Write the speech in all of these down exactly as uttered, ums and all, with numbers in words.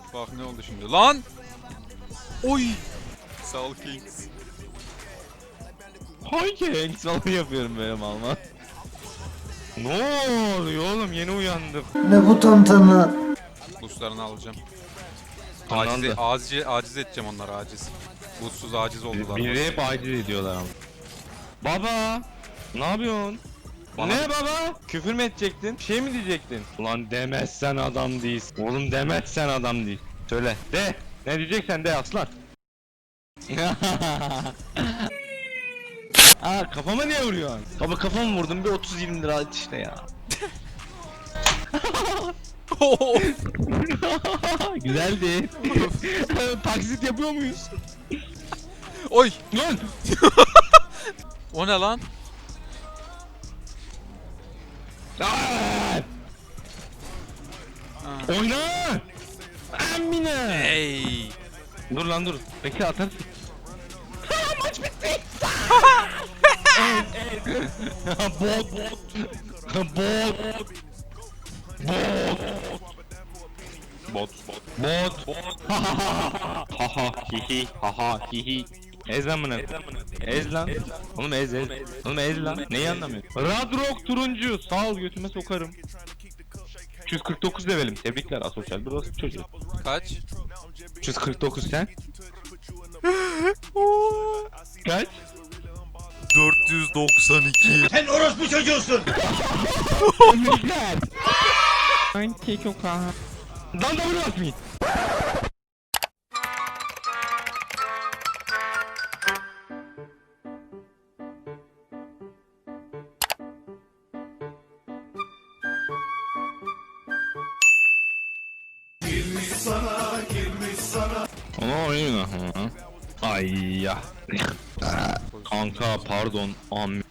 Bak ne oldu şimdi lan. Oy. Sağ ol Kings. Hangi onu yapıyorum böyle malma. Ne oluyor oğlum, yeni uyandım. Ne bu tantana? Boostlarını alacağım. Tamam Aciz, da. aciz, aciz edeceğim onları aciz. Boostsuz aciz oldular. Biri hep aciz ediyorlar ama. Baba! Ne yapıyorsun? Bana ne bir- baba? Küfür mü edecektin? Bir şey mi diyecektin? Ulan demezsen adam değilsin. Oğlum demezsen adam değil. Söyle. De. Ne diyeceksen de aslan. Aa, kafama niye vuruyorsun? Baba kafamı vurdum, bir otuz yirmi lira at işte ya. Güzeldi. Taksit yapıyor muyuz? Oy. Lan! O ne lan? Aa! Ha. Oyna! Amine! Hey. Dur lan dur. Bekle atarsın. Maç bitti. Bot bot. Bot. Bot. Bot. Bot. Bot. Haha hihi haha hihi. Ez lan bunu. Ez lan. Oğlum ez ez. Oğlum ez lan. Neyi anlamıyorsun? Radrock turuncu. Sağ ol, götüme sokarım. üç yüz kırk dokuz levelim. Tebrikler asosyal burası çocuğu. Kaç? üç yüz kırk dokuz sen? Kaç? dört yüz doksan iki. Sen orospu çocuğusun. Tebrikler. Sanki çok aha. Lan da bunu atmayın. Ama oyun ha. Ay ya. Kanka pardon. Am. Ne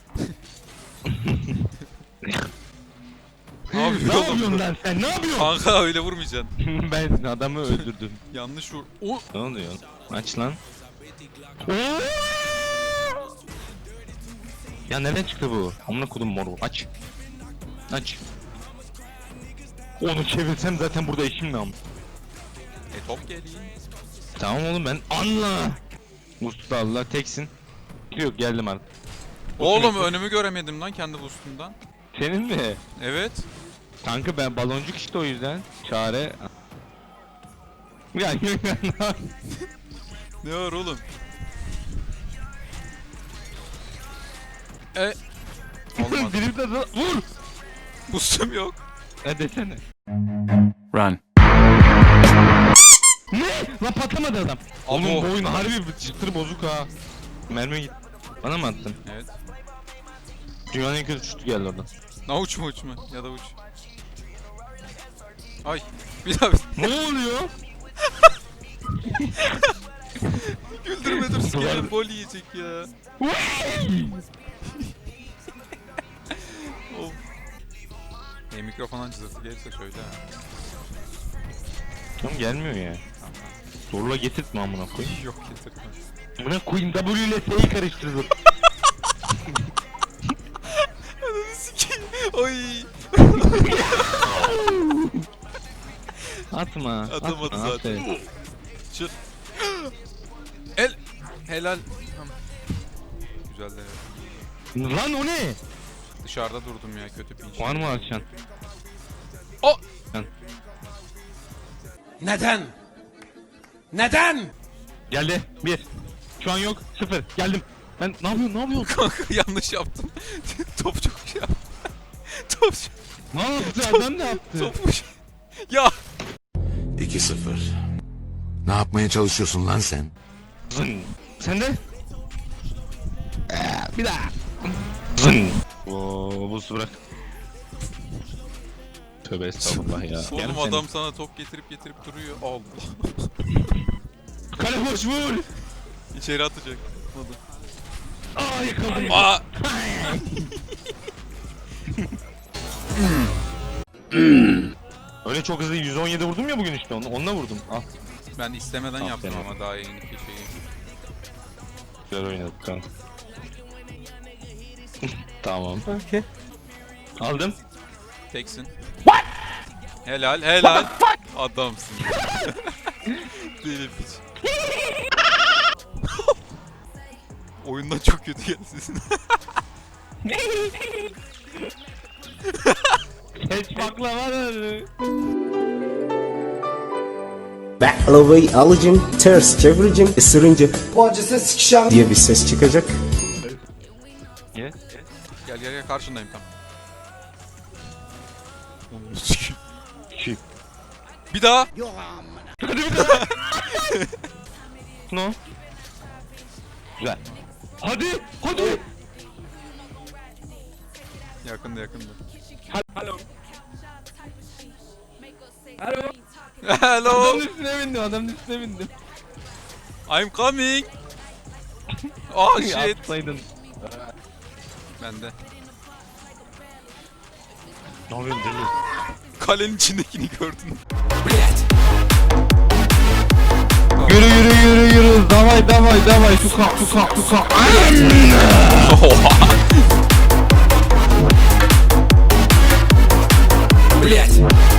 Ne yapıyorsun yapıyorsun oğlum? lan sen? Ne yapıyorsun? Kanka öyle vurmayacaksın. Ben adamı öldürdüm. Yanlış vur. O. Ne oluyor? Aç lan. Ya nereden çıktı bu? Amına kodum moru. Aç. Aç. Onu çevirsem zaten burada işim ne am? E top geliyor. Tamam oğlum ben anla. Mustafa Allah teksin. Yok geldim artık. Oğlum önümü göremedim lan kendi boostumdan. Senin mi? Evet. Kanka ben baloncuk işte o yüzden. Çare. Ya Ne var oğlum? E. Olmadı. Drip de vur. Boostum yok. Ne desene. Run. Ne? Lan patlamadı adam. Oğlum Abo. bu oyun harbi bir çıtır bozuk ha. Mermi git. Bana mı attın? Evet. Dünyanın en kötü şutu geldi oradan. Na uç mu uç mu? Ya da uç. Ay. Bir daha bir. Ne oluyor? Güldürme dur sikerim bol yiyecek ya. Of. E mikrofondan cızırtı gelirse söyle ha. Tamam gelmiyor ya. Tamam. Zorla getirtme amına koyayım. Yok getirme. Buna koyayım W ile S'yi karıştırdım. Ananı sikeyim. Oy. Atma. Atamadı atma, zaten. aferin. Çık. El. Helal. Tamam. Güzel de. Lan o ne? Dışarıda durdum ya kötü pinç. Var mı akşam? O. Neden? Neden? Geldi. Bir. Şu an yok. Sıfır. Geldim. Ben ne yapıyorsun? Ne yapıyorsun? Kanka yanlış yaptım. Top çok şey yaptı. Top çok. Ne yaptı? Adam ne yaptı? Topmuş. Ya. iki sıfır. Ne yapmaya çalışıyorsun lan sen? Zın. Sen de? Ee, bir daha. Zın. Oo, buz bırak. Tövbe estağfurullah ya. Oğlum Gel adam sen. sana top getirip getirip duruyor. Allah. Kale boş vur. İçeri atacak. Atmadı. Aa yakaladım. Aa. Öyle çok hızlı yüz on yedi vurdum ya bugün işte onu, onunla vurdum. Al. Ben istemeden Aferin. yaptım ama daha yeni bir şeyi. Güzel oynadık kan. Tamam. Okay. Aldım. Teksin. What? Helal helal. Adamsın. değilim hiç. Oyundan çok kötü geldi sesin. Geç baklava da. Baklavayı alacağım, ters çevireceğim, ısırınca bu acısı sikişem diye bir ses çıkacak. Ye. Gel gel gel karşındayım tam. Onu sikeyim. Şi. Bir daha. No. Güzel. Hadi, hadi. Yakında yakında. Alo. Alo. Hello. Adamın üstüne bindim, adamın üstüne bindim. I'm coming. Oh shit. Atsaydın. Bende. Ne yapıyorsun deli? Kalenin içindekini gördün. Yürü yürü yürü yürü. Davay davay davay. Tuka tuka tuka. Блять!